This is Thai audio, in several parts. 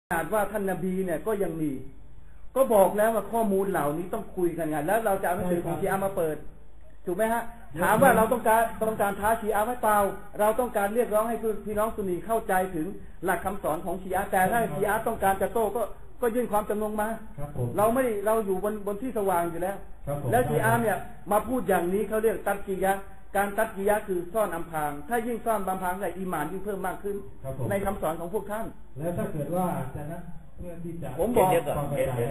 อาจว่าท่านนบีเนี่ยก็ยังมีก็บอกแล้วว่าข้อมูลเหล่านี้ต้องคุยกันไงแล้วเราจะเอาหนังสือของชีอะห์มาเปิดถูกไหมฮะถามว่าเราต้องการท้าชีอะห์ไว้เปล่าเราต้องการเรียกร้องให้พี่น้องซุนนีเข้าใจถึงหลักคำสอนของชีอะห์แต่ถ้าชีอะห์ต้องการจะโต้ก็ยื่นความจำนงมาเราอยู่บนที่สว่างอยู่แล้วแล้วชีอะห์เนี่ยมาพูดอย่างนี้เขาเรียกตัดกียะการตัดกียะคือซ่อนอำพรางถ้ายิ่งซ่อนอำพรางอีหม่านยิ่งเพิ่มมากขึ้นในคำสอนของพวกท่านแล้วถ้าเกิดว่าจะนะเพื่อที่จะผมบอกเดี๋ยวก่อน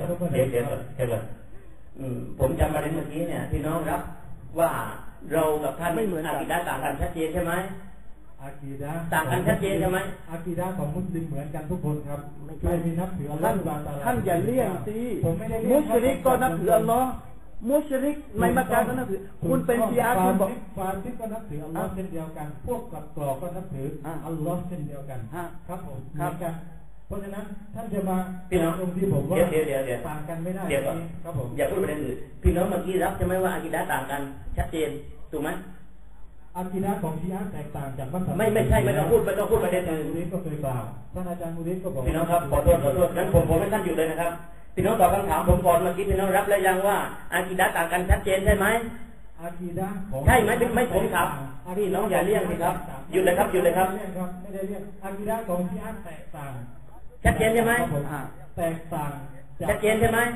ผมจำประเด็นเมื่อกี้เนี่ยพี่น้องรับว่าเรากับท่านไม่เหมือนอากีดะห์ต่างกันชัดเจนใช่ไหมอากีดะห์ต่างกันชัดเจนใช่ไหมอากีดะห์ของมุสลิมเหมือนกันทุกคนครับไม่มีนับถืออัลลอฮฺท่านอย่าเลี่ยงสิมุชริกก็นับถืออัลลอฮ์มุชริกในมักกะฮ์ก็นับถือคุณเป็นชีอะห์คุณบอกฟาซิกก็นับถืออัลลอฮ์เช่นเดียวกันพวกกับต่อก็นับถืออัลลอฮ์เช่นเดียวกันครับผมครับเพราะฉะนั้นท่านจะมาพี่น้องตรงที่ผมว่าต่างกันไม่ได้ครับผมอย่าพูดประเด็นอื่นพี่น้องเมื่อกี้รับใช่ไหมว่าอากีดะห์ต่างกันชัดเจนถูกไหมอากีดะห์ของชีอะห์แตกต่างจากมัสยิดไม่ใช่ไม่ต้องพูดประเด็นอื่นนี้ก็เคยกล่าวท่านอาจารย์มุริสก็บอกพี่น้องครับขอโทษงั้นผมให้ท่านอยู่เลยนะครับพี่น้องตอบคำถามผมก่อนเมื่อกี้พี่น้องรับแล้วยังว่าอากีดะห์ต่างกันชัดเจนใช่ไหมอากีดะห์ใช่ไหมไม่ผมถามพี่น้องอย่าเลี่ยงสิครับหยุดเลยครับไม่ได้เลี่ยงอากีดะห์ของชีอะห์แตกต่างชัดเจนใช่ไหมแตกต่างชัดเจนใช่ไหม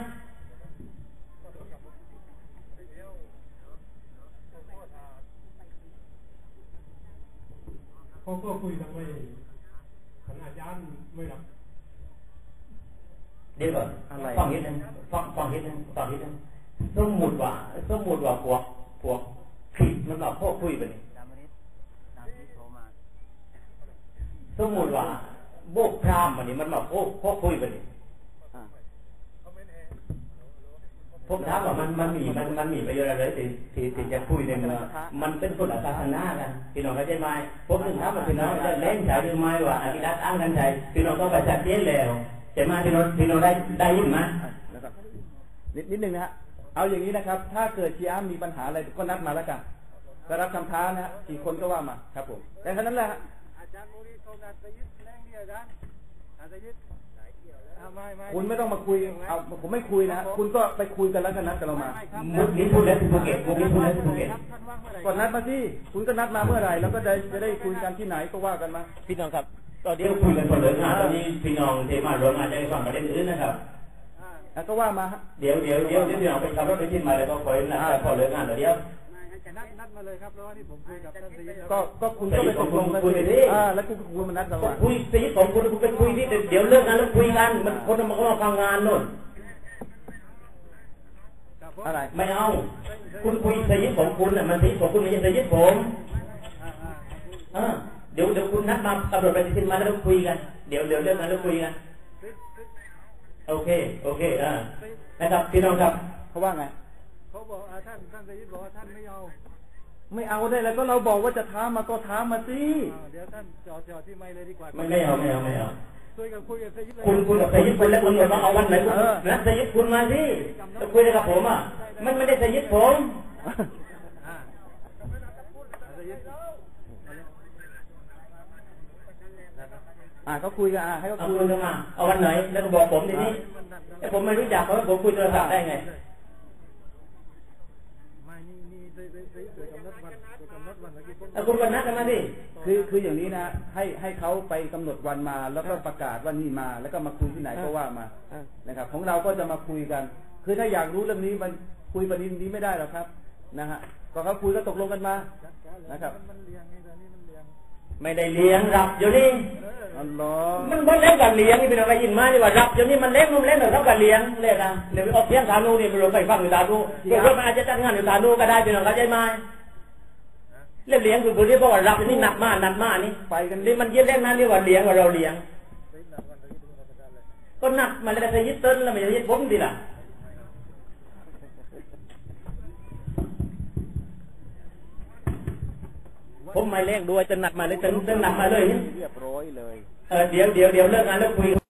เขาก็คุยกันไม่ขนาดยันไม่หรอกเดี๋ยวก่อนฟังนิดนึงสมมุติว่าพวกผิดมันแบบพวกคุยไปนี่สมมุติว่าโบกพรามมันนี่มันแบบพวกคุยไปนี่ผมถามว่ามันมีประโยชน์อะไรที่จะคุยในเมื่อมันเป็นคนละศาสนากันพี่น้องเข้าใจไหมผมถึงถามว่าพี่น้องจะเล่นใจหรือไม่ว่าอากีดะห์อ้างกันใจพี่น้องก็ไปชัดเจนแล้วแต่มาพี่น้องได้ยินไหมนิดนึงนะฮะเอาอย่างนี้นะครับถ้าเกิดชีอะห์มีปัญหาอะไรก็นัดมาแล้วกันก็รับคำท้านะฮะกี่คนก็ว่ามาครับผมแต่เท่านั้นแหละอาจารย์มูรีโทรนัดไปยึดแรงเดียวกันอาจจะยึดคุณไม่ต้องมาคุยเอาผมไม่คุยนะคุณก็ไปคุยกันแล้วกันนัดกันเรามามุกนี้พูดแล้วที่ภูเก็ตก่อนนัดมาที่คุณก็นัดมาเมื่อไหร่แล้วก็จะได้คุยกันที่ไหนก็ว่ากันมาพี่น้องครับตอนนี้คุยกันคนเลิกงานตอนนี้พี่น้องเทมาโรงงานจะได้ฟังประเด็นอื่นนะครับก็ว่ามาเดี๋ยวพี่น้องไปขับรถไปที่มาแล้วก็คอยนัดพอเลิกงานเดี๋ยวนัดมาเลยครับเพราะว่าที่ผมคุยกับท่านซีก็คุณก็ไปตกลงกันแล้วคุณมานัดเราคุยซีของคุณไปคุยที่เดี๋ยวเลิกงานแล้วคุยกันมันคนมันก็มาฟังงานโน่นอะไรไม่เอาคุณคุยซีของคุณน่ะมันซีของคุณไม่ใช่ซีผมเดี๋ยวคุณนัดมาตำรวจไปที่มาแล้วคุยกันเดี๋ยวเลิกงานแล้วคุยกันโอเคนะครับพี่น้องครับเขาว่าไงเขาบอกท่านซีบอกว่าท่านไม่เอาได้แล้วก็เราบอกว่าจะท้ามาก็ท้ามาสิเดี๋ยวท่านจอดที่ไม่เลยดีกว่าไม่เอาคุยกับซีเลยคุณคุยกับซีคุณแล้วคุณมาเอาวันไหนนัดซีคุณมาสิจะคุยกับผมอ่ะมันไม่ได้ซีผมก็คุยกันให้เขาคุยกันมาเอาวันไหนแล้วก็บอกผมทีนี้แต่ผมไม่รู้จักเขาผมคุยโทรศัพท์ได้ไงคุณวันนัดกันมาดิคืออย่างนี้นะให้เขาไปกำหนดวันมาแล้วก็ประกาศว่านี่มาแล้วก็มาคุยที่ไหนก็ว่ามานะครับของเราก็จะมาคุยกันคือถ้าอยากรู้เรื่องนี้มันคุยประเด็นนี้ไม่ได้หรอกครับนะฮะก็เขาคุยก็ตกลงกันมานะครับไม่ได้เลี้ยงรับอยู่นี่อัลลอฮ์มันบ่เล่นกันเลี้ยงนี่เป็นอะไรยินมานี่ว่ารับอยู่นี่มันเล่นนุ่มเล่นหรือรับกันเลี้ยงเล่นนะเดี๋ยวไปออกเสียงฐานูนี่ไปลงไปฟังอยู่ฐานูเดี๋ยวมันอาจจะจัดงานอยู่ฐานูก็ได้เป็นอะไรใจไหมเล่นเลี้ยงคือคนที่บอกว่ารับนี่หนักมากนี่ไปกันนี่มันเยอะเล่นนะนี่ว่าเลี้ยงว่าเราเลี้ยงก็หนักมาแล้วจะยึดต้นแล้วมันจะยึดผมดีล่ะผมไม่เล่นด้วยจะหนักมาเลยจะหนักมาเลยเรียบร้อยเลยเดี๋ยวเลิกงานแล้วคุย